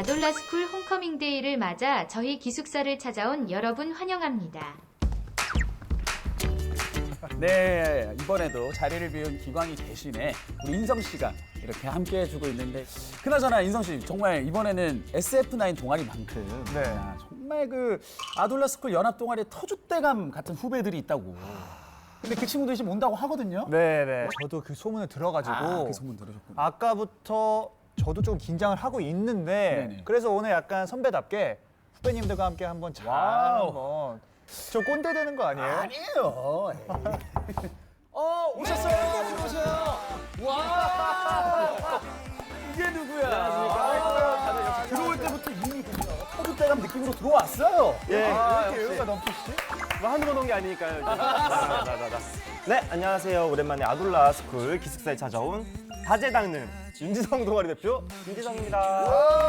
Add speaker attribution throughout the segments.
Speaker 1: 아돌라스쿨 홈커밍 데이를 맞아 저희 기숙사를 찾아온 여러분 환영합니다.
Speaker 2: 네, 이번에도 자리를 비운 기광이 대신에 우리 인성 씨가 이렇게 함께 해주고 있는데, 그나저나 인성 씨 정말 이번에는 SF9 동아리만큼
Speaker 3: 네.
Speaker 2: 정말 그 아돌라스쿨 연합 동아리의 터줏대감 같은 후배들이 있다고. 근데 그 친구들이 지금 온다고 하거든요.
Speaker 3: 네네. 저도 그 소문을 들어가지고
Speaker 2: 그 소문 들으셨구나.
Speaker 3: 아까부터 저도 좀 긴장을 하고 있는데
Speaker 2: 네네.
Speaker 3: 그래서 오늘 약간 선배답게 후배님들과 함께 한번 잘
Speaker 2: 와우.
Speaker 3: 한번 저 꼰대 되는 거 아니에요?
Speaker 2: 아니에요. 오셨어요. 들어오세요. 와. 이게 누구야? 안녕하십니까. 들어올 때부터 이미 터줏대감 느낌으로 들어왔어요.
Speaker 3: 예. 왜 이렇게
Speaker 4: 역시.
Speaker 3: 여유가 넘치시지?
Speaker 4: 뭐 한두 번 온 게 아니니까요. 네, 안녕하세요. 오랜만에 아돌라 스쿨 기숙사에 찾아온 다재다능는 윤지성 동아리 대표 윤지성입니다.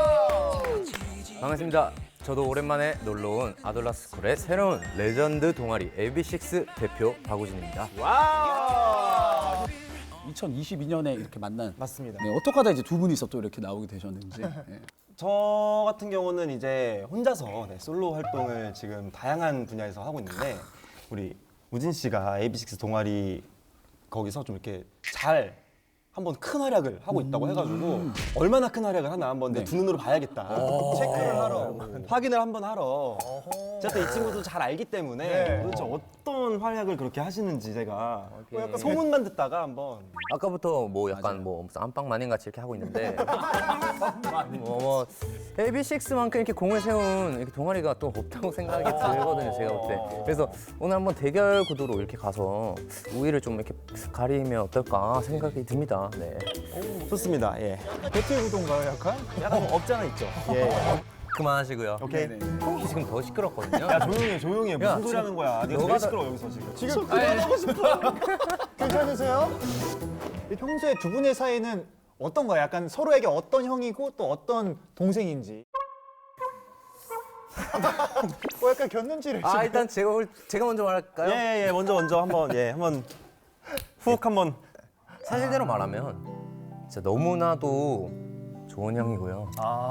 Speaker 5: 반갑습니다. 저도 오랜만에 놀러온 아돌라스쿨의 새로운 레전드 동아리 AB6 대표 박우진입니다.
Speaker 2: 2022년에 이렇게 만난.
Speaker 4: 맞습니다.
Speaker 2: 네, 어떻게 하다 이제 두 분이서 또 이렇게 나오게 되셨는지. 네.
Speaker 4: 저 같은 경우는 이제 혼자서 솔로 활동을 지금 다양한 분야에서 하고 있는데 우리 우진 씨가 AB6 동아리 거기서 좀 이렇게 잘 한번 큰 활약을 하고 있다고 해가지고 얼마나 큰 활약을 하나 한번 내 두 눈으로 봐야겠다. 체크를 하러 확인을 한번 하러. 제가 또 이 친구도 잘 알기 때문에
Speaker 3: 네.
Speaker 4: 도대체 어떤 활약을 그렇게 하시는지 제가
Speaker 3: 약간
Speaker 4: 소문만 듣다가 한번
Speaker 5: 아까부터 뭐 약간 뭐 무슨 안방 마님 같이 이렇게 하고 있는데 뭐 AB6만큼 이렇게 공을 세운 이렇게 동아리가 또 없다고 생각이 들거든요, 제가 볼 때. 그래서 오늘 한번 대결 구도로 이렇게 가서 우위를 좀 이렇게 가리면 어떨까 생각이 듭니다. 네.
Speaker 4: 좋습니다. 예.
Speaker 3: 배틀 구도인가요 약간?
Speaker 4: 약간 뭐 없지 않아 있죠. 예.
Speaker 5: 그만하시고요.
Speaker 4: 오케이.
Speaker 5: 형이 지금 더 시끄럽거든요.
Speaker 4: 야 조용히 해. 무슨
Speaker 5: 야,
Speaker 4: 소리
Speaker 5: 지금
Speaker 4: 하는 거야? 네가
Speaker 5: 너가
Speaker 4: 제일 시끄러워 여기서 지금.
Speaker 3: 지금 그만하고 싶어. 괜찮으세요? 평소에 두 분의 사이는 어떤가요? 약간 서로에게 어떤 형이고 또 어떤 동생인지. 약간 곁눈질을
Speaker 5: 일단 제가 먼저 말할까요?
Speaker 4: 예, 먼저 한번 훅 한번.
Speaker 5: 사실대로 말하면 진짜 너무나도 좋은 형이고요.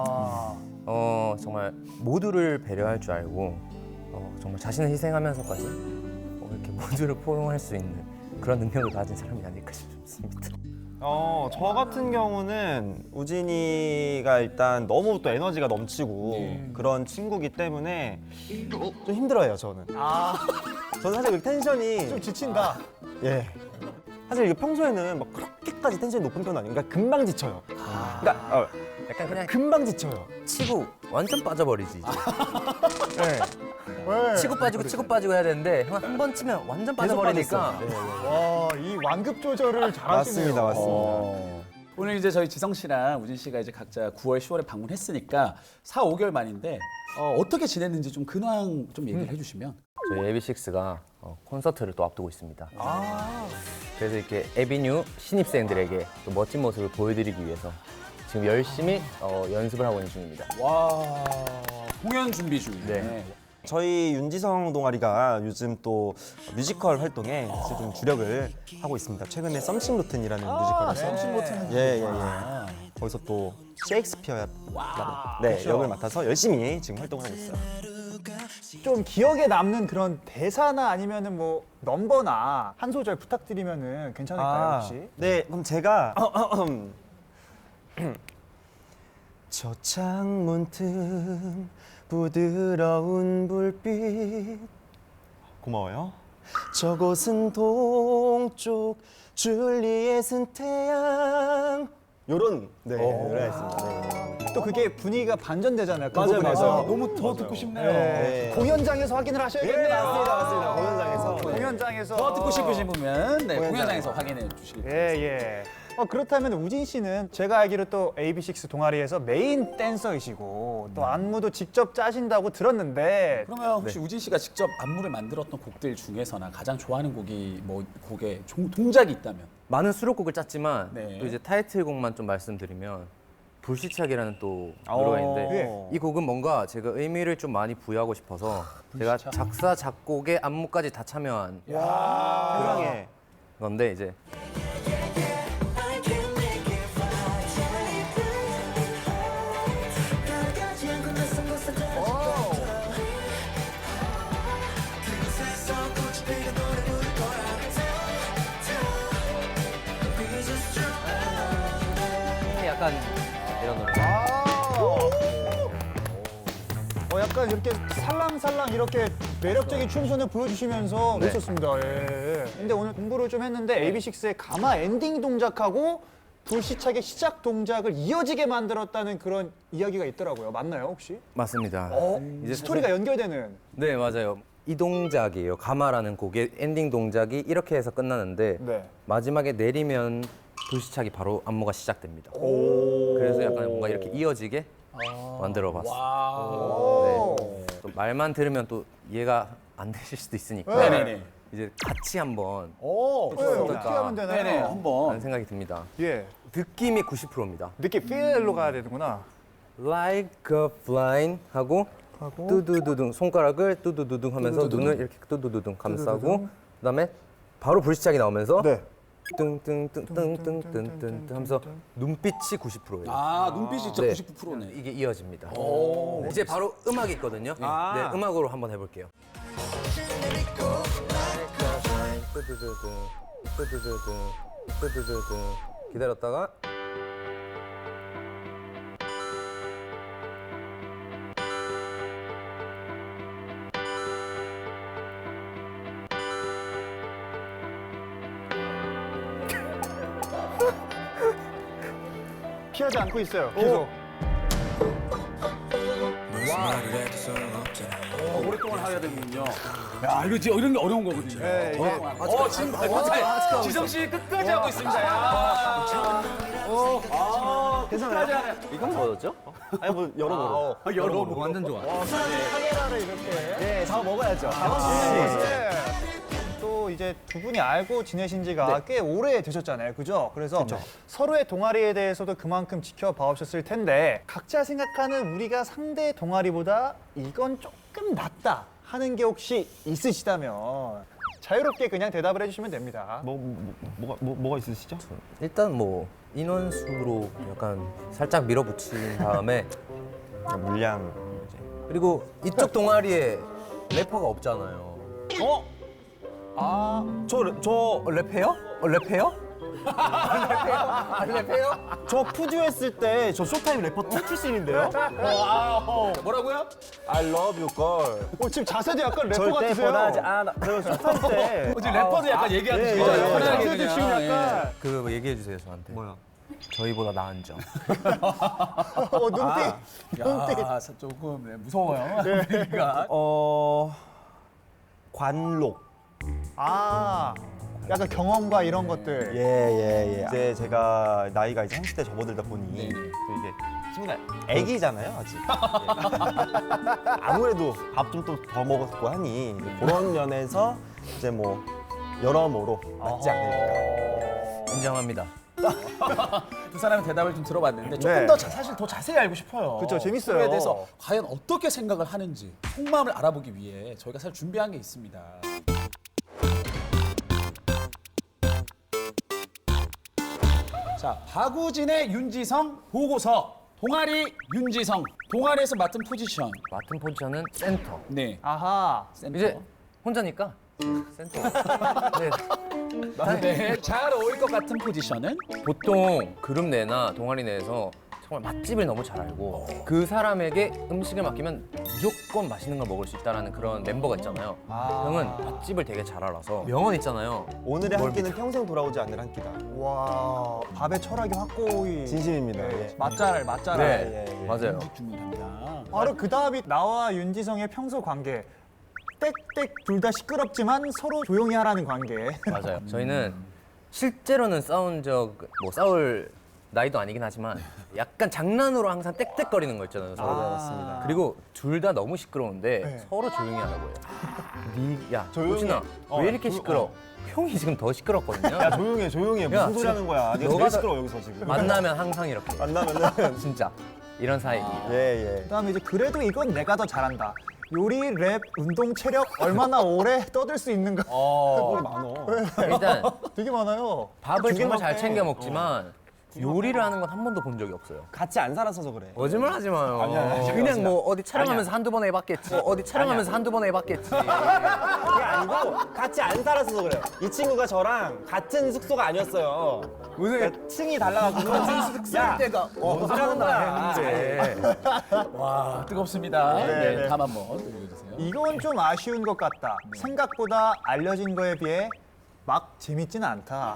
Speaker 5: 정말 모두를 배려할 줄 알고 정말 자신을 희생하면서까지 이렇게 모두를 포용할 수 있는 그런 능력을 가진 사람이 아닐까 싶습니다.
Speaker 4: 저 같은 경우는 우진이가 일단 너무 또 에너지가 넘치고 그런 친구기 때문에 좀 힘들어요, 저는. 저는 사실 그 텐션이
Speaker 3: 좀 지친다.
Speaker 4: 예. 사실 이게 평소에는 막 그렇게까지 텐션이 높은 편은 아니에요. 그러니까 금방 지쳐요. 그러니까
Speaker 5: 약간 그냥
Speaker 4: 금방 지쳐요.
Speaker 5: 치고 완전 빠져버리지 이제.
Speaker 4: 네.
Speaker 3: 왜?
Speaker 5: 치고 빠지고 해야 되는데 형 한 번 치면 완전 빠져버리니까
Speaker 3: 와, 이 완급 조절을 잘하시네요.
Speaker 4: 맞습니다.
Speaker 2: 오늘 이제 저희 지성 씨랑 우진 씨가 이제 각자 9월, 10월에 방문했으니까 4, 5개월 만인데 어떻게 지냈는지 좀 근황 좀 얘기를 해주시면.
Speaker 5: 저희 AB6IX가 콘서트를 또 앞두고 있습니다. 그래서 이렇게 에비뉴 신입생들에게 또 멋진 모습을 보여드리기 위해서 지금 열심히 연습을 하고 있는 중입니다.
Speaker 2: 와, 공연 준비 중이네.
Speaker 5: 네.
Speaker 4: 저희 윤지성 동아리가 요즘 또 뮤지컬 활동에 이제 좀 주력을 하고 있습니다. 최근에 썸씽 로튼이라는 뮤지컬에서
Speaker 2: 썸씽 로튼은
Speaker 4: 예. 거기서 또 셰익스피어 역을 맡아서 열심히 지금 활동을 하고 있어요.
Speaker 3: 좀 기억에 남는 그런 대사나 아니면은 뭐 넘버나 한 소절 부탁드리면은 괜찮을까요, 혹시?
Speaker 4: 네, 그럼 제가 저 창문 틈 부드러운 불빛 고마워요. 저곳은 동쪽 줄리엣은 태양 요런 노래였습니다. 네.
Speaker 3: 또 그게 분위기가 반전되잖아요. 그
Speaker 4: 맞아요,
Speaker 3: 부분에서.
Speaker 4: 맞아요.
Speaker 2: 너무 더 듣고 싶네요.
Speaker 3: 네. 공연장에서 확인을 하셔야겠네요.
Speaker 4: 맞습니다. 공연장에서.
Speaker 3: 공연장에서.
Speaker 2: 더 듣고 싶으신 분은 네,
Speaker 4: 공연장.
Speaker 2: 공연장에서 확인해 주시기 바랍니다.
Speaker 3: 예. 그렇다면 우진 씨는 제가 알기로 또 AB6 동아리에서 메인 댄서이시고 또 안무도 직접 짜신다고 들었는데
Speaker 2: 그러면 혹시 우진 씨가 직접 안무를 만들었던 곡들 중에서나 가장 좋아하는 곡이 뭐 곡에 동작이 있다면?
Speaker 5: 많은 수록곡을 짰지만
Speaker 2: 네.
Speaker 5: 또 이제 타이틀곡만 좀 말씀드리면 불시착이라는 또 노래가 있는데 이 곡은 뭔가 제가 의미를 좀 많이 부여하고 싶어서 제가 작사 작곡에 안무까지 다 참여한
Speaker 4: 세상에
Speaker 5: 건데 이제 약간 이런 노래.
Speaker 3: 약간 이렇게 살랑살랑 이렇게 매력적인 춤선을 보여주시면서
Speaker 5: 네.
Speaker 3: 멋있었습니다. 예. 근데 오늘 공부를 좀 했는데 AB6IX의 가마 엔딩 동작하고 불시착의 시작 동작을 이어지게 만들었다는 그런 이야기가 있더라고요. 맞나요, 혹시?
Speaker 5: 맞습니다. 이제
Speaker 3: 스토리가 연결되는.
Speaker 5: 네, 맞아요. 이 동작이에요. 가마라는 곡의 엔딩 동작이 이렇게 해서 끝나는데
Speaker 3: 네.
Speaker 5: 마지막에 내리면 불시착이 바로 안무가 시작됩니다. 그래서 약간 뭔가 이렇게 이어지게 만들어봤어요.
Speaker 2: 와.
Speaker 5: 네. 또 말만 들으면 또 이해가 안 되실 수도 있으니까
Speaker 2: 네네네.
Speaker 5: 이제 같이 한번
Speaker 2: 오.
Speaker 3: 네, 어떻게 하면 되나요?
Speaker 2: 네네.
Speaker 5: 하는
Speaker 2: 한번.
Speaker 5: 생각이 듭니다.
Speaker 3: 예.
Speaker 5: 느낌이 90%입니다.
Speaker 3: 느낌 필로 가야 되는구나.
Speaker 5: Like a flying 하고 뚜두두둥 손가락을 뚜두두둥 하면서
Speaker 2: 뚜두두둥.
Speaker 5: 눈을 이렇게 뚜두두둥 감싸고 그다음에 바로 불시착이 나오면서
Speaker 3: 네.
Speaker 5: 뚱뚱뚱뚱뚱뚱뚱 하면서 눈빛이 90%예요.
Speaker 2: 아, 눈빛이 진짜
Speaker 5: 네.
Speaker 2: 99%네.
Speaker 5: 이게 이어집니다. 이제 바로 음악이 있거든요. 네, 음악으로 한번 해볼게요. 뚜두두둥, 뚜두두둥, 뚜두두둥. 기다렸다가
Speaker 3: 피하지 않고 있어요. 계속.
Speaker 2: 오랫동안 하셔야 되는군요. 야, 이거 진짜 이런 게 어려운 거거든요.
Speaker 3: 네, 이게
Speaker 2: 지금 지성 씨 끝까지 하고 있습니다. 야.
Speaker 4: 괜찮아요?
Speaker 5: 이건 뭐였죠?
Speaker 4: 아니 뭐 여러모로.
Speaker 2: 여러분
Speaker 5: 완전 좋아.
Speaker 3: 카메라를 이렇게.
Speaker 4: 네, 잡아 먹어야죠.
Speaker 3: 네. 또 이제 두 분이 알고 지내신 지가 꽤 오래 되셨잖아요. 그죠? 그래서 서로의 동아리에 대해서도 그만큼 지켜봐 오셨을 텐데 각자 생각하는 우리가 상대 동아리보다 이건 조금 낫다 하는 게 혹시 있으시다면 자유롭게 그냥 대답을 해주시면 됩니다.
Speaker 4: 뭐가 있으시죠?
Speaker 5: 일단 뭐 인원수로 약간 살짝 밀어붙인 다음에
Speaker 4: 물량.
Speaker 5: 그리고 이쪽 동아리에 래퍼가 없잖아요.
Speaker 4: 저
Speaker 5: 랩해요? 랩해요? 랩해요?
Speaker 4: 저 푸듀 했을 때 저 쇼타임 래퍼 2 출신인데요?
Speaker 2: 뭐라고요?
Speaker 4: I love you girl.
Speaker 3: 지금 자세도 약간 래퍼
Speaker 4: 절대
Speaker 3: 같으세요.
Speaker 4: 변하지 않아. 저 쇼타임 때.
Speaker 2: 지금 래퍼도 약간 얘기하듯이
Speaker 4: 예,
Speaker 2: 편하게
Speaker 3: 자세도
Speaker 2: 그냥,
Speaker 3: 지금
Speaker 2: 예.
Speaker 3: 약간
Speaker 5: 그거 얘기해 주세요 저한테.
Speaker 4: 뭐야?
Speaker 5: 저희보다 나은 점.
Speaker 3: 눈빛.
Speaker 2: 야, 조금 네, 무서워요. 그러니까.
Speaker 4: 관록.
Speaker 3: 약간 경험과 이런 것들.
Speaker 4: 예. 이제 제가 나이가 이제 30대 접어들다 보니
Speaker 2: 네네.
Speaker 4: 또 이제 친구가 애기잖아요 아직. 예. 아무래도 밥 좀 또 더 먹었고 하니 그런 면에서 이제 뭐 여러모로 맞지 않을까.
Speaker 5: 인정합니다.
Speaker 2: 두 사람의 대답을 좀 들어봤는데 조금
Speaker 3: 네.
Speaker 2: 더 사실 더 자세히 알고 싶어요.
Speaker 3: 그쵸, 재밌어요.
Speaker 2: 서로에 대해서 과연 어떻게 생각을 하는지 속마음을 알아보기 위해 저희가 사실 준비한 게 있습니다. 자, 박우진의 윤지성 보고서. 동아리 윤지성. 동아리에서 맡은 포지션.
Speaker 5: 맡은 포지션은 센터.
Speaker 2: 네.
Speaker 3: 아하.
Speaker 2: 센터.
Speaker 5: 이제 혼자니까 센터. 네.
Speaker 2: 네. 잘 어울릴 것 같은 포지션은
Speaker 5: 보통 그룹 내나 동아리 내에서 정말 맛집을 너무 잘 알고 그 사람에게 음식을 맡기면 무조건 맛있는 걸 먹을 수 있다는 그런 멤버가 있잖아요. 형은 맛집을 되게 잘 알아서 명언 있잖아요.
Speaker 4: 오늘의 한 끼는 평생 돌아오지 않을 한 끼다.
Speaker 3: 와, 밥의 철학이 확고히.
Speaker 4: 진심입니다. 예.
Speaker 3: 맞잘.
Speaker 5: 네,
Speaker 4: 예.
Speaker 5: 맞아요.
Speaker 2: 중요합니다.
Speaker 3: 바로 그 다음이 나와 윤지성의 평소 관계. 땡땡 둘 다 시끄럽지만 서로 조용히 하라는 관계.
Speaker 5: 맞아요. 저희는 실제로는 싸운 뭐 싸울 나이도 아니긴 하지만 약간 장난으로 항상 땡땡거리는 거 있잖아요. 서로.
Speaker 4: 맞습니다.
Speaker 5: 그리고 둘 다 너무 시끄러운데
Speaker 3: 네.
Speaker 5: 서로 조용히 하라고 해요. 야,
Speaker 4: 조용히
Speaker 5: 호진아,
Speaker 4: 해.
Speaker 5: 왜 이렇게 시끄러? 형이 지금 더 시끄럽거든요.
Speaker 4: 야 조용해.
Speaker 5: 야,
Speaker 4: 무슨 소리 하는 거야? 네가
Speaker 5: 너가
Speaker 4: 제일
Speaker 5: 더-
Speaker 4: 시끄러워 여기서 지금.
Speaker 5: 만나면 항상 이렇게.
Speaker 4: 만나면은
Speaker 5: 진짜 이런 사이.
Speaker 4: 예.
Speaker 3: 그다음에 이제 그래도 이건 내가 더 잘한다. 요리, 랩, 운동, 체력 얼마나 오래 떠들 수 있는가.
Speaker 4: 뭘 많어.
Speaker 5: 일단
Speaker 3: 되게 많아요.
Speaker 5: 밥을 정말 잘
Speaker 4: 먹게.
Speaker 5: 챙겨 먹지만 요리를 하는 건 한 번도 본 적이 없어요.
Speaker 4: 같이 안 살아서 그래.
Speaker 5: 거짓말 하지 마요.
Speaker 4: 아니야.
Speaker 5: 그냥 뭐 어디 촬영하면서 한두 번 해봤겠지. 어디 촬영하면서 한두 번 해봤겠지.
Speaker 4: 그게 아니고 같이 안 살아서 그래요. 이 친구가 저랑 같은 숙소가 아니었어요. 무슨 층이 달라가지고 같은 숙소일 때가 뭔 소리 하는 거야.
Speaker 2: 와, 뜨겁습니다. 네, 다음 한번 읽어주세요.
Speaker 3: 이건 좀 아쉬운 것 같다. 생각보다 알려진 거에 비해 막 재밌진 않다.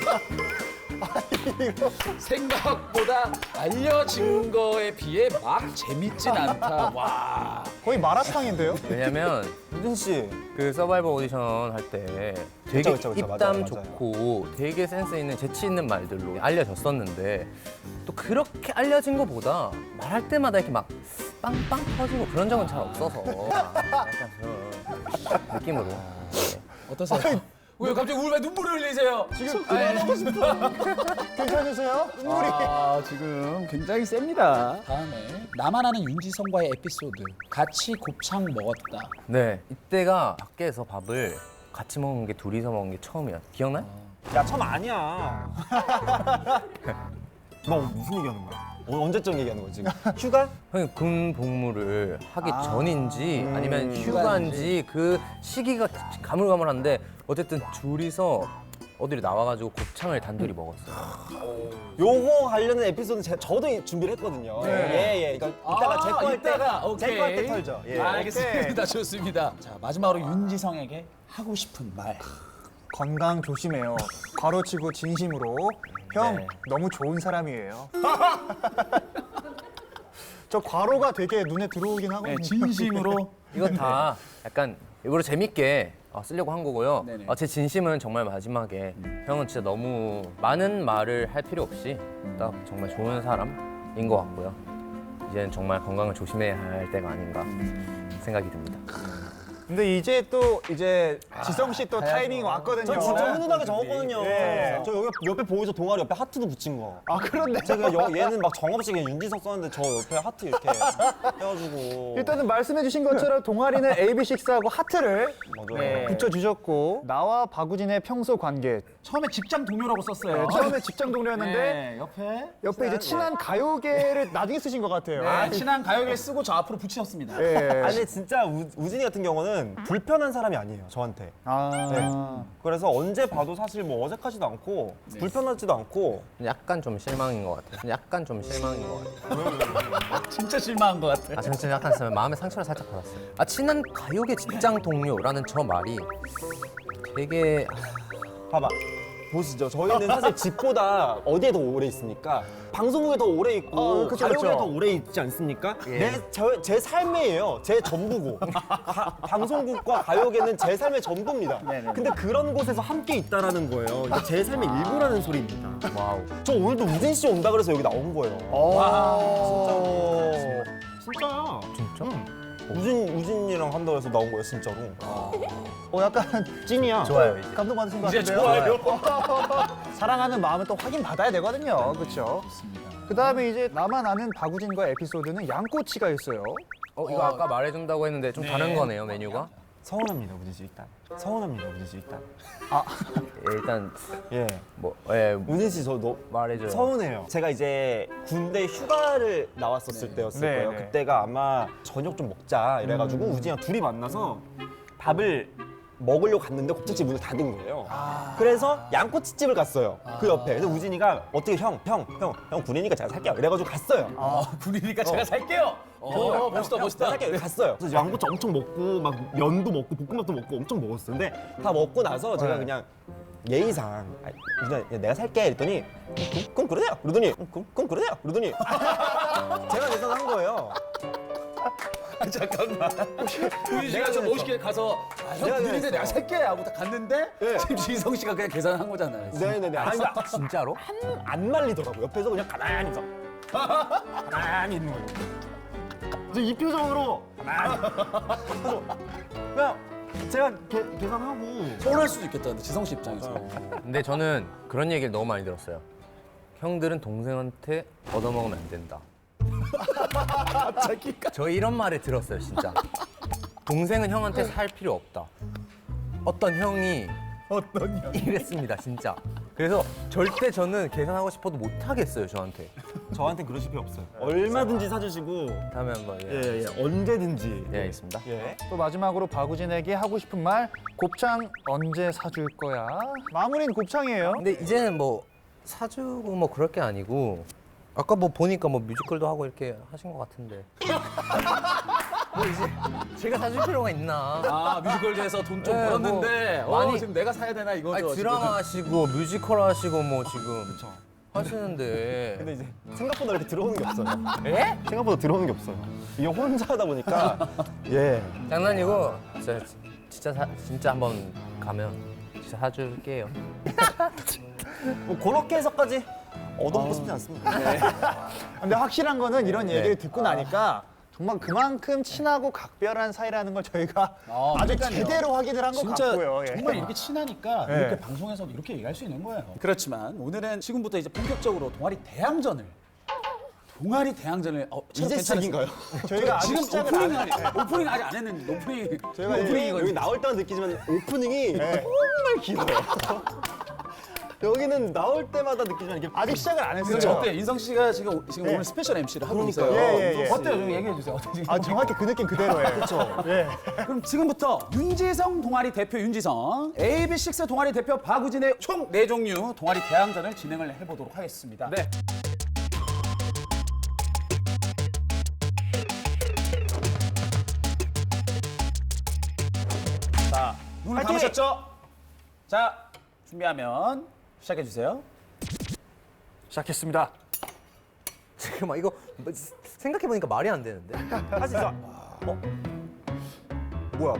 Speaker 2: 생각보다 알려진 거에 비해 막 재밌진 않다. 와.
Speaker 3: 거의 마라탕인데요?
Speaker 5: 왜냐면
Speaker 4: 우진 씨.
Speaker 5: 그 서바이벌 오디션 할 때 되게
Speaker 4: 그쵸,
Speaker 5: 입담
Speaker 4: 맞아요.
Speaker 5: 좋고 되게 센스 있는 재치 있는 말들로 알려졌었는데 또 그렇게 알려진 것보다 말할 때마다 이렇게 막 빵빵 터지고 그런 적은 잘 없어서 약간 그런 느낌으로. 네.
Speaker 2: 어떠세요? 왜 갑자기 왜 눈물을 흘리세요? 지금
Speaker 3: 그만하고 싶어. 괜찮으세요? 눈물이.
Speaker 2: 아, 지금 굉장히 셉니다. 다음에 나만 아는 윤지성과의 에피소드. 같이 곱창 먹었다.
Speaker 5: 네, 이때가 밖에서 밥을 같이 먹은 게 둘이서 먹은 게 처음이야. 기억나요?
Speaker 4: 야, 처음 아니야. 너 무슨 얘기하는 거야? 언제쯤 얘기하는 거야 지금? 휴가?
Speaker 5: 형이 군 복무를 하기 전인지 아니면 휴가인지 그 시기가 가물가물한데 어쨌든 둘이서 어디를 나와가지고 곱창을 단둘이 먹었어요.
Speaker 4: 요거 관련된 에피소드는 저도 준비를 했거든요. 예. 그러니까 이따가 제 거 할 때, 제 거 할 때 털죠. 예.
Speaker 2: 알겠습니다. 좋습니다. 자, 마지막으로 윤지성에게 하고 싶은 말.
Speaker 3: 건강 조심해요. 괄호치고 진심으로. 형,
Speaker 2: 네.
Speaker 3: 너무 좋은 사람이에요. 저 괄호가 되게 눈에 들어오긴 하거든요.
Speaker 2: 네, 진심으로.
Speaker 5: 이거 다 약간 일부러 재밌게 쓰려고 한 거고요.
Speaker 2: 네네.
Speaker 5: 제 진심은 정말 마지막에 형은 진짜 너무 많은 말을 할 필요 없이 딱 정말 좋은 사람인 것 같고요. 이제는 정말 건강을 조심해야 할 때가 아닌가 생각이 듭니다.
Speaker 3: 근데 이제 지성 씨 또 타이밍 왔거든요.
Speaker 4: 저 진짜 훈훈하게 적었거든요.
Speaker 3: 예.
Speaker 4: 저 여기 옆에 보이죠? 동아리 옆에 하트도 붙인 거.
Speaker 3: 아, 그런데.
Speaker 4: 제가 얘는 막 정없이 그냥 윤지석 썼는데 저 옆에 하트 이렇게 해가지고.
Speaker 3: 일단은 말씀해주신 것처럼 동아리는 AB6IX하고 하트를
Speaker 4: 맞아요.
Speaker 3: 붙여주셨고 나와 박우진의 평소 관계
Speaker 2: 처음에 직장 동료라고 썼어요.
Speaker 3: 처음에 직장 동료였는데
Speaker 2: 네, 옆에
Speaker 3: 이제 친한 가요계를 나중에 쓰신 것 같아요.
Speaker 2: 네, 친한 가요계를 쓰고 저 앞으로 붙이셨습니다.
Speaker 3: 예.
Speaker 4: 아니 근데 진짜 우진이 같은 경우는 불편한 사람이 아니에요 저한테.
Speaker 3: 아.
Speaker 4: 그래서 언제 봐도 사실 뭐 어색하지도 않고 불편하지도 않고.
Speaker 5: 약간 좀 실망인 것 같아요. 약간 좀 실망인 것 같아요.
Speaker 2: 진짜 실망한 것 같아.
Speaker 5: 저는 진짜 약간 마음의 상처를 살짝 받았어요. 친한 가요계 직장 동료라는 저 말이 되게
Speaker 4: 봐봐. 보시죠. 저희는 사실 집보다 어디에 더 오래 있습니까? 방송국에 더 오래 있고
Speaker 3: 그쵸,
Speaker 4: 가요계에
Speaker 3: 그쵸.
Speaker 4: 더 오래 있지 않습니까? 제 삶이에요. 제 전부고. 방송국과 가요계는 제 삶의 전부입니다. 근데 그런 곳에서 함께 있다라는 거예요. 이게 제 삶의 일부라는 소리입니다.
Speaker 5: 와우.
Speaker 4: 저 오늘도 우진 씨 온다 그래서 여기 나온 거예요. 진짜야.
Speaker 5: 진짜?
Speaker 4: 우진이랑 한다고 해서 나온 거예요, 진짜로.
Speaker 3: 약간 찐이야.
Speaker 5: 좋아요, 이제.
Speaker 3: 감동 받으신 것
Speaker 2: 이제
Speaker 3: 같은데요.
Speaker 2: 좋아요.
Speaker 3: 사랑하는 마음은 또 확인 받아야 되거든요. 그렇죠? 그 다음에 이제 나만 아는 박우진과 에피소드는 양꼬치가 있어요.
Speaker 5: 이거 아까 말해준다고 했는데 좀 다른 거네요, 메뉴가.
Speaker 4: 서운합니다, 우진 씨 일단. 서운합니다, 우진 씨 일단.
Speaker 5: 일단
Speaker 4: 예. 우진 씨 저
Speaker 5: 말해줘요.
Speaker 4: 서운해요. 제가 이제 군대 휴가를 나왔었을 때였을
Speaker 3: 네,
Speaker 4: 거예요.
Speaker 3: 네.
Speaker 4: 그때가 아마 저녁 좀 먹자 이래가지고 우진이랑 둘이 만나서 밥을 먹으려고 갔는데 곱창집 문을 닫은 거예요. 그래서 양꼬치집을 갔어요. 그 옆에. 그래서 우진이가 어떻게 형 군이니까 제가 살게요. 이래가지고 갔어요.
Speaker 2: 군이니까 제가 살게요. 멋있다, 멋있다.
Speaker 4: 살게요. 갔어요. 그래서 양꼬치 엄청 먹고 막 면도 먹고 볶음밥도 먹고 엄청 먹었어요. 근데 다 먹고 나서 제가 그냥 예의상 우진아 내가 살게 이랬더니 그럼 그러네요. 그러더니 그럼 그러네요. 그러더니 제가 계산한 거예요.
Speaker 2: 잠깐만. 우리 씨가 저 멋있게 가서 형 군인인데
Speaker 4: 그랬어.
Speaker 2: 내가 살게 하고 딱 갔는데 지금 지성 씨가 그냥 계산한 거잖아요.
Speaker 4: 네네네. 아니
Speaker 5: 진짜로?
Speaker 4: 안 말리더라고. 옆에서 그냥 가만히 있어. 가만히 있는 거예요. 그래서 이 표정으로 가만히. 그래서 그냥 제가 계산하고.
Speaker 2: 서운할 수도 있겠다. 근데 지성 씨 입장에서.
Speaker 5: 근데 저는 그런 얘기를 너무 많이 들었어요. 형들은 동생한테 얻어먹으면 안 된다.
Speaker 2: 자기가
Speaker 5: 저 이런 말을 들었어요, 진짜. 동생은 형한테 살 필요 없다. 어떤 형이 이랬습니다, 진짜. 그래서 절대 저는 계산하고 싶어도 못 하겠어요 저한테.
Speaker 4: 저한테 그러실 필요 없어요. 얼마든지 사주시고
Speaker 5: 다음에 한번
Speaker 4: 예, 언제든지.
Speaker 5: 예, 알겠습니다.
Speaker 4: 예.
Speaker 3: 또 마지막으로 박우진에게 하고 싶은 말, 곱창 언제 사줄 거야? 마무리는 곱창이에요.
Speaker 5: 근데 이제는 뭐 사주고 뭐 그럴 게 아니고 아까 뭐 보니까 뭐 뮤지컬도 하고 이렇게 하신 것 같은데 뭐 이제 제가 사줄 필요가 있나?
Speaker 2: 아 뮤지컬에서 돈 좀
Speaker 5: 네,
Speaker 2: 벌었는데
Speaker 5: 뭐 많이-
Speaker 2: 지금 내가 사야 되나 이거죠.
Speaker 5: 아니,
Speaker 2: 지금.
Speaker 5: 드라마 하시고 뮤지컬 하시고 뭐 지금 하시는데
Speaker 4: 근데 이제 생각보다 이렇게 들어오는 게 없어요.
Speaker 5: 예?
Speaker 4: 생각보다 들어오는 게 없어요. 이게 혼자 하다 보니까 예.
Speaker 5: 장난이고 진짜 한번 가면 진짜 사줄게요.
Speaker 4: 뭐 그렇게 해서까지 얻어먹고 싶지 않습니다.
Speaker 3: 근데 확실한 거는 이런 얘기를 듣고 나니까 정말 그만큼 친하고 각별한 사이라는 걸 저희가 아주
Speaker 2: 그러니까요.
Speaker 3: 제대로 확인을 한 것
Speaker 2: 진짜
Speaker 3: 같고요. 예.
Speaker 2: 정말 이렇게 친하니까
Speaker 3: 네.
Speaker 2: 이렇게 방송에서도 이렇게 얘기할 수 있는 거예요. 그렇지만 오늘은 지금부터 이제 본격적으로 동아리 대항전을
Speaker 4: 이제 시작인가요?
Speaker 3: 저희가 아직
Speaker 2: 지금
Speaker 3: 시작을 안
Speaker 2: 오프닝 오프닝 아직 안 했는데 오프닝
Speaker 3: 저희가
Speaker 2: 오프닝이거든요.
Speaker 4: 여기 나올 때만 느끼지만 오프닝이 정말 길어요. 여기는 나올 때마다 느끼지만 이게
Speaker 3: 아직 시작을 안 했어요.
Speaker 2: 그렇죠. 어때 인성 씨가 지금 오늘 스페셜 MC를 하고 있어요.
Speaker 3: 예.
Speaker 2: 어때요? 좀 얘기해 주세요. 어떠세요?
Speaker 3: 아 정확히 그 느낌 그대로예요. 그렇죠. 예.
Speaker 2: 그럼 지금부터 윤지성 동아리 대표 윤지성, AB6 동아리 대표 박우진의 총 4종류 동아리 대항전을 진행을 해보도록 하겠습니다. 네. 자, 눈을 감으셨죠? 자, 준비하면 시작해 주세요.
Speaker 3: 시작했습니다.
Speaker 5: 잠깐만 이거 생각해 보니까 말이 안 되는데.
Speaker 4: 할 수 있어. 뭐야?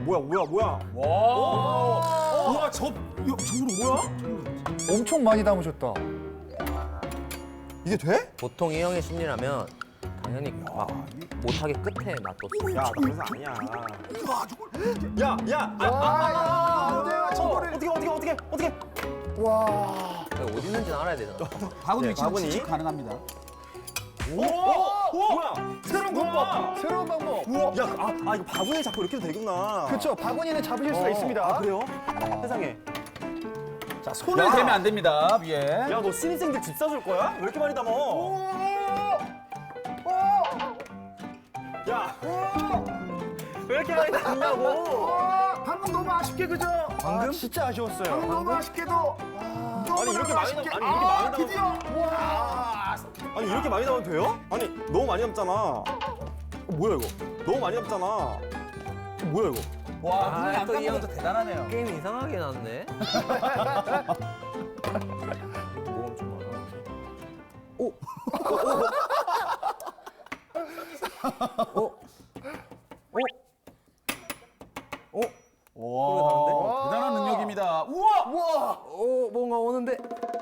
Speaker 2: 우와, 저거는 뭐야?
Speaker 3: 엄청 많이 담으셨다.
Speaker 4: 이게 돼?
Speaker 5: 보통 이 형의 심리라면 당연히 막 못하게 끝에 놔뒀어.
Speaker 4: 야, 그래서 아니야. 야, 저거를 어떻게?
Speaker 5: 어디 있는지는 알아야 되잖아.
Speaker 2: 바구니 지금
Speaker 4: 바구니.
Speaker 2: 지식 가능합니다.
Speaker 4: 뭐야?
Speaker 3: 새로운 방법. 새로운 방법.
Speaker 4: 야, 이거 바구니 잡고 이렇게 해도 되구나.
Speaker 3: 그렇죠. 바구니는 잡으실 수가 있습니다.
Speaker 4: 그래요? 세상에.
Speaker 2: 자, 손을 대면 안 됩니다, 위에.
Speaker 4: 야, 너 신입생들 집 사줄 거야? 왜 이렇게 많이 담어? 야, 왜 이렇게 많이 담냐고?
Speaker 3: 방금 너무 아쉽게 그죠? 방금 진짜 아쉬웠어요. 너무 아쉽게도.
Speaker 4: 아니 이렇게 많이 담, 아니 이렇게 많이 담으면 돼요? 아니 너무 많이 담잖아. 뭐야 이거? 너무 많이 담잖아. 뭐야 이거?
Speaker 2: 와, 눈이 안
Speaker 5: 또이
Speaker 2: 감는
Speaker 5: 형.
Speaker 2: 것도 대단하네요.
Speaker 5: 게임 이상하게 났네. 뭐 엄청 많아.
Speaker 2: 와, 대단한 능력입니다. 우와!
Speaker 5: 뭔가 오는데.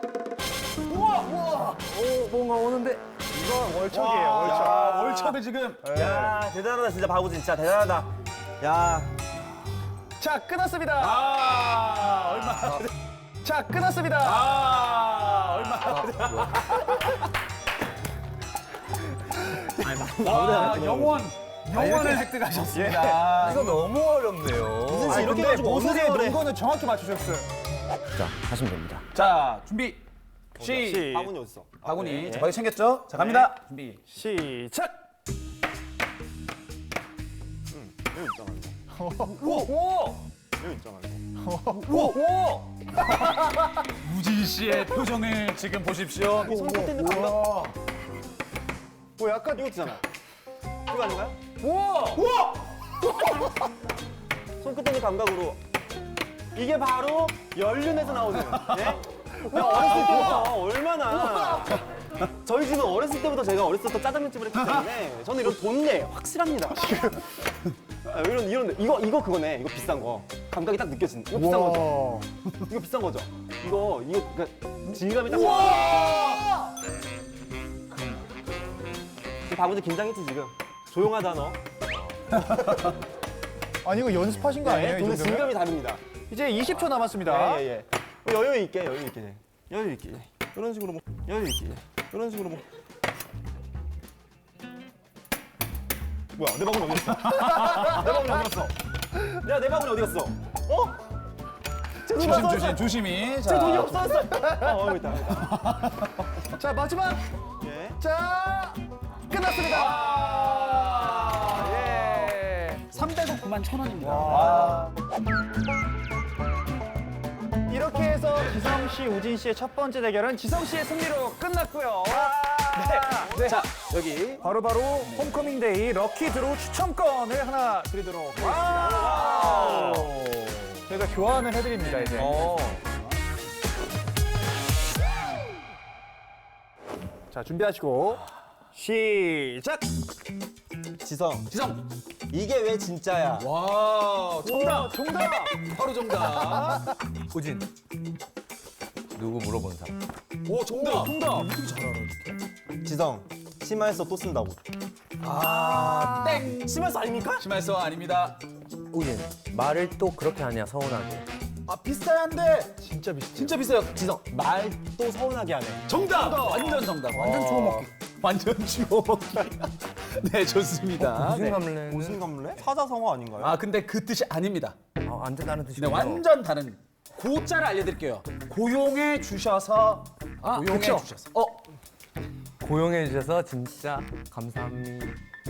Speaker 5: 뭔가 오는데.
Speaker 3: 이건 월척이에요. 월척.
Speaker 2: 자, 월척을 지금.
Speaker 4: 야 대단하다 진짜 바보진 진짜 대단하다. 야,
Speaker 3: 자, 끊었습니다.
Speaker 2: 얼마.
Speaker 3: 자, 끊었습니다.
Speaker 2: 얼마. 와, 영원을 획득하셨습니다.
Speaker 5: 이거 너무 어렵네요.
Speaker 4: 진짜 이렇게 해가지고 어느
Speaker 3: 모습의
Speaker 4: 세월에
Speaker 3: 농거는 정확히 맞추셨어요.
Speaker 5: 자, 하시면 됩니다.
Speaker 2: 자, 준비. 시.
Speaker 4: 바구니 어딨어?
Speaker 2: 바구니. 자, 바구니 챙겼죠? 자, 갑니다. 준비.
Speaker 3: 시작.
Speaker 4: 여기 있잖아 이거.
Speaker 2: 오!
Speaker 4: 여기 있잖아 이거.
Speaker 2: 오! 우진 씨의 표정을 지금 보십시오.
Speaker 4: 손끝에 감각.
Speaker 3: 뭐 약간
Speaker 4: 이거 있잖아. 이거 아닌가요?
Speaker 2: 우와!
Speaker 4: 손끝에 있는 감각으로 이게 바로 연륜에서 나오는 예? 내가 어렸을 때부터 얼마나 저희 집은 어렸을 때부터 제가 어렸을 때부터 짜장면집을 했기 때문에 저는 이런 돈내 확실합니다. 이런 이거 그거네. 이거 비싼 거 감각이 딱 느껴지는. 이거 비싼 거죠. 이거 비싼 거죠. 이거 그러니까 질감이 딱. 바보들 긴장했지 지금. 조용하다 너.
Speaker 3: 아니 이거 연습하신 거 아니에요? 이
Speaker 4: 돈의
Speaker 3: 정도면?
Speaker 4: 질감이 다릅니다.
Speaker 3: 이제 20초 남았습니다.
Speaker 4: 예. 여유 있게. 이런 식으로 뭐 여유 있게. 이런 식으로 뭐. 뭐야? 내 바구니 어디 갔어? 내 바구니 어디 갔어? 야, 내 바구니 어디 갔어? 어?
Speaker 2: 조심히.
Speaker 4: 제 돈이
Speaker 2: 자,
Speaker 4: 없어졌어요. 여기 있다.
Speaker 3: 자, 마지막.
Speaker 4: 예.
Speaker 3: 자, 끝났습니다. 예.
Speaker 2: 300억 9만 1,000원입니다.
Speaker 3: 이렇게 해서 지성 씨, 우진 씨의 첫 번째 대결은 지성 씨의 승리로 끝났고요. 네. 자, 여기 바로바로 홈커밍 데이 럭키 드로우 추첨권을 하나 드리도록 하겠습니다. 저희가 교환을 해드립니다, 이제. 자, 준비하시고 시작!
Speaker 4: 지성,
Speaker 2: 지성.
Speaker 4: 이게 왜 진짜야?
Speaker 2: 와, 정답.
Speaker 3: 정답!
Speaker 2: 바로 정답.
Speaker 5: 우진. 누구 물어보는 사람.
Speaker 2: 오, 정답.
Speaker 3: 정답!
Speaker 4: 지성, 심할서 또 쓴다고.
Speaker 2: 땡.
Speaker 4: 심할서 아닙니까?
Speaker 2: 심할서 아닙니다.
Speaker 5: 우진. 말을 또 그렇게 하냐 서운하게.
Speaker 2: 아, 비슷한데
Speaker 3: 진짜 비슷해요.
Speaker 2: 진짜 비슷해요. 지성.
Speaker 4: 말 또 서운하게 하네.
Speaker 2: 정답. 완전 정답. 완전 주워먹기. 완전 주워먹기. 네, 좋습니다.
Speaker 5: 무슨
Speaker 2: 네.
Speaker 5: 감래는
Speaker 4: 무슨 감래? 사자성어 아닌가요?
Speaker 2: 아, 근데 그 뜻이 아닙니다.
Speaker 5: 완전 다른
Speaker 2: 네,
Speaker 5: 뜻이군요.
Speaker 2: 완전 다른. 고자를 알려드릴게요. 고용해 주셔서. 고용해
Speaker 3: 그쵸?
Speaker 2: 주셔서.
Speaker 5: 고용해 주셔서 진짜 감사합니다.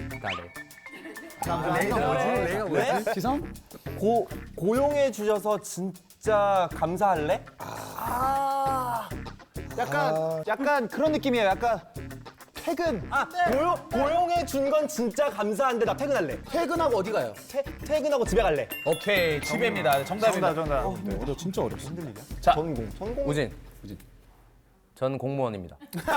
Speaker 3: 내가
Speaker 4: 네?
Speaker 2: 지성?
Speaker 4: 고용해 주셔서 진짜 감사할래?
Speaker 3: 약간 그런 느낌이에요. 약간 퇴근.
Speaker 4: 고용해 준 건 진짜 감사한데 나 퇴근할래.
Speaker 2: 퇴근하고 어디 가요?
Speaker 4: 퇴근하고 집에 갈래.
Speaker 2: 오케이, 집입니다. 정답입니다.
Speaker 3: 정답.
Speaker 2: 어려 진짜 어렵어.
Speaker 4: 자, 전공.
Speaker 5: 우진. 전 공무원입니다.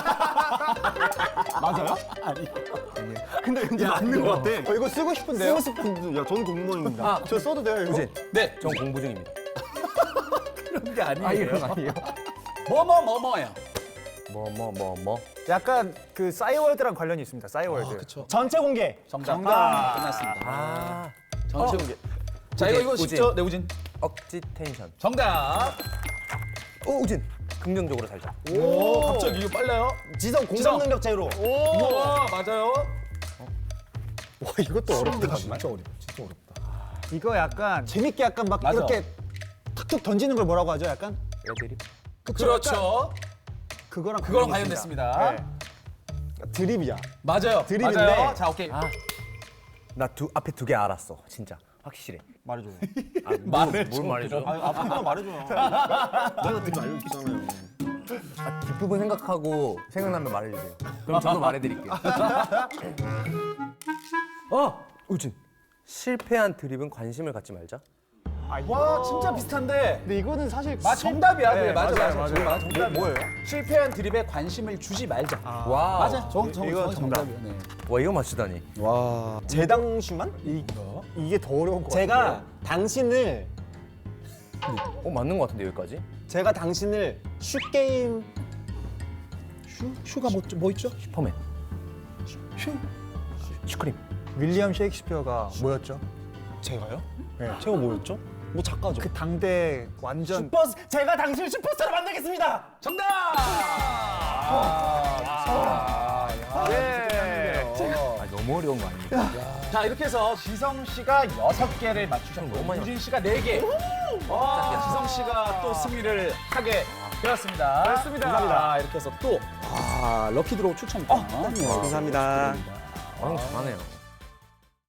Speaker 4: 맞아요?
Speaker 2: 아니.
Speaker 4: 근데 왠지 맞는 것 같아.
Speaker 3: 이거 쓰고 싶은데요?
Speaker 4: 쓰고 싶은 야, 전 공무원입니다.
Speaker 3: 저 써도 돼요, 이거?
Speaker 5: 우진.
Speaker 2: 네,
Speaker 5: 전 공부 중입니다.
Speaker 2: 그런 게 아니에요.
Speaker 5: 아니에요.
Speaker 2: 뭐뭐뭐뭐예요.
Speaker 5: 뭐.
Speaker 3: 약간 그 싸이월드랑 관련이 있습니다. 싸이월드.
Speaker 2: 그렇죠.
Speaker 4: 전체 공개.
Speaker 2: 정답. 끝났습니다.
Speaker 5: 아.
Speaker 2: 전체 공개. 자, 이거
Speaker 5: 우진.
Speaker 2: 쉽죠? 네, 우진.
Speaker 5: 억지 텐션.
Speaker 2: 정답.
Speaker 5: 우진. 긍정적으로 살자.
Speaker 2: 오, 갑자기 이거 빨라요?
Speaker 4: 지성 공감 능력 제로.
Speaker 2: 우와, 맞아요.
Speaker 3: 와, 이것도 어렵다.
Speaker 2: 진짜 어렵다. 진짜 어렵다.
Speaker 3: 이거 약간 재밌게 약간 막
Speaker 2: 맞아.
Speaker 3: 이렇게 툭툭 던지는 걸 뭐라고 하죠? 약간?
Speaker 5: 애드립.
Speaker 2: 그렇죠.
Speaker 3: 그거랑
Speaker 2: 관련됐습니다.
Speaker 3: 네.
Speaker 4: 드립이야.
Speaker 2: 맞아요.
Speaker 4: 드립인데.
Speaker 2: 맞아요. 자, 오케이.
Speaker 5: 나 앞에 두 개 알았어. 진짜. 확실해.
Speaker 4: 말해줘요.
Speaker 5: 뭘 말해줘?
Speaker 4: 앞에 거 말해줘요. 내가 드립 알려줬잖아요.
Speaker 5: 뒷부분 생각하고 생각나면 말해주세요. 그럼 저도 말해드릴게요. 우진. 실패한 드립은 관심을 갖지 말자.
Speaker 2: 와, 진짜 비슷한데.
Speaker 3: 근데 이거는 사실
Speaker 2: 정답이야.
Speaker 3: 네,
Speaker 2: 그래, 맞아.
Speaker 3: 맞아요.
Speaker 2: 정답. 뭐예요? 실패한 드립에 관심을 주지 말자.
Speaker 5: 와.
Speaker 2: 맞아.
Speaker 3: 이거 정답.
Speaker 2: 정답이야. 네.
Speaker 5: 와 이거 맞추다니.
Speaker 4: 재당슈만?
Speaker 3: 이게 더 어려운 거
Speaker 4: 제가 당신을
Speaker 5: 맞는 것 같은데 여기까지?
Speaker 4: 제가 당신을 슈게임
Speaker 2: 슈가 뭐 있죠?
Speaker 5: 슈퍼맨. 슈크림.
Speaker 3: 윌리엄 셰익스피어가 뭐였죠?
Speaker 4: 제가요?
Speaker 3: 네.
Speaker 4: 제가 뭐였죠? 뭐 작가죠.
Speaker 3: 그 당대 완전
Speaker 4: 제가 당신을 슈퍼스타로 만들겠습니다.
Speaker 2: 정답!
Speaker 3: 예.
Speaker 5: 너무 어려운 거 아닙니까?
Speaker 2: 자, 이렇게 해서 지성 씨가 6개를 맞추셨고
Speaker 5: 너무 많이
Speaker 2: 우진 씨가 4개. 지성 씨가 또 승리를 하게 되었습니다.
Speaker 3: 그렇습니다.
Speaker 2: 감사합니다. 이렇게 해서 또 럭키 드로우 추첨권.
Speaker 4: 감사합니다.
Speaker 5: 잘하네요.